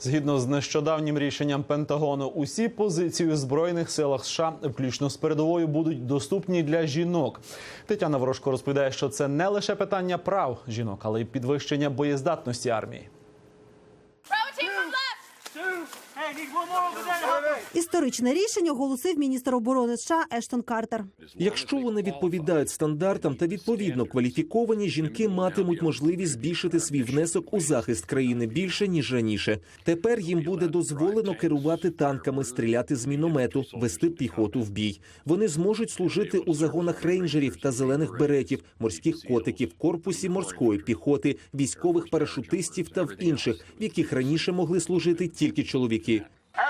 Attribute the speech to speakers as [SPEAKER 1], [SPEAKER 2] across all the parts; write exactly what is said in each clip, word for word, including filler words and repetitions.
[SPEAKER 1] Згідно з нещодавнім рішенням Пентагону, усі позиції у Збройних силах США, включно з передовою, будуть доступні для жінок. Тетяна Ворожко розповідає, що це не лише питання прав жінок, але й підвищення боєздатності армії.
[SPEAKER 2] Історичне рішення оголосив міністр оборони США Ештон Картер.
[SPEAKER 3] Якщо вони відповідають стандартам та відповідно кваліфіковані, жінки матимуть можливість збільшити свій внесок у захист країни більше, ніж раніше. Тепер їм буде дозволено керувати танками, стріляти з міномету, вести піхоту в бій. Вони зможуть служити у загонах рейнджерів та зелених беретів, морських котиків, корпусі морської піхоти, військових парашутистів та в інших, в яких раніше могли служити тільки чоловіки.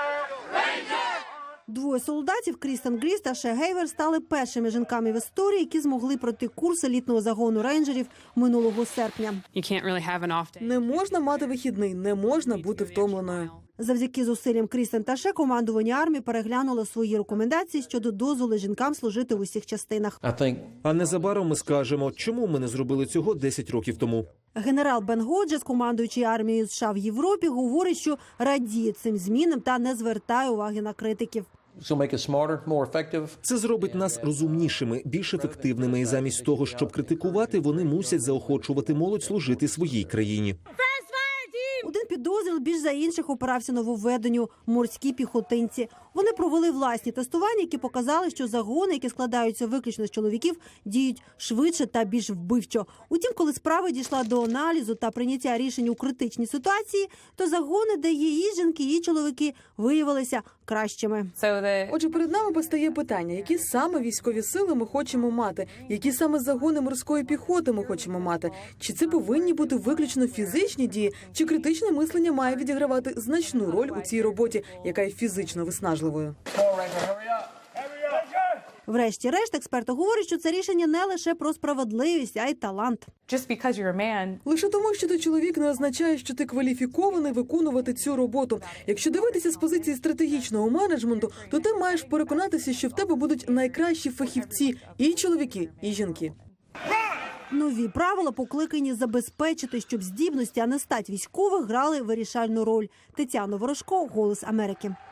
[SPEAKER 2] Двоє солдатів, Крістен Гріс та Ше Гейвер, стали першими жінками в історії, які змогли пройти курс елітного загону рейнджерів минулого серпня.
[SPEAKER 4] Не можна мати вихідний, не можна бути втомленою.
[SPEAKER 2] Завдяки зусиллям Крістен та Ше командування армії переглянуло свої рекомендації щодо дозволу жінкам служити в усіх частинах.
[SPEAKER 3] А незабаром ми скажемо, чому ми не зробили цього десять років тому.
[SPEAKER 2] Генерал Бен Годжес, командуючий армією США в Європі, говорить, що радіє цим змінам та не звертає уваги на критиків.
[SPEAKER 3] Це зробить нас розумнішими, більш ефективними. І замість того, щоб критикувати, вони мусять заохочувати молодь служити своїй країні.
[SPEAKER 2] Один підрозділ більш за інших опирався нововведенню – морські піхотинці. Вони провели власні тестування, які показали, що загони, які складаються виключно з чоловіків, діють швидше та більш вбивчо. Утім, коли справа дійшла до аналізу та прийняття рішень у критичній ситуації, то загони, де є і жінки, і чоловіки, виявилися кращими.
[SPEAKER 4] Отже, перед нами постає питання, які саме військові сили ми хочемо мати, які саме загони морської піхоти ми хочемо мати. Чи це повинні бути виключно фізичні дії, чи критичне мислення має відігравати значну роль у цій роботі, яка є фізично виснажливою.
[SPEAKER 2] Врешті-решт, експерти говорять, що це рішення не лише про справедливість, а й талант.
[SPEAKER 4] Лише тому, що ти чоловік, не означає, що ти кваліфікований виконувати цю роботу. Якщо дивитися з позиції стратегічного менеджменту, то ти маєш переконатися, що в тебе будуть найкращі фахівці – і чоловіки, і жінки.
[SPEAKER 2] Нові правила покликані забезпечити, щоб здібності, а не стать військових, грали вирішальну роль. Тетяна Ворожко, «Голос Америки».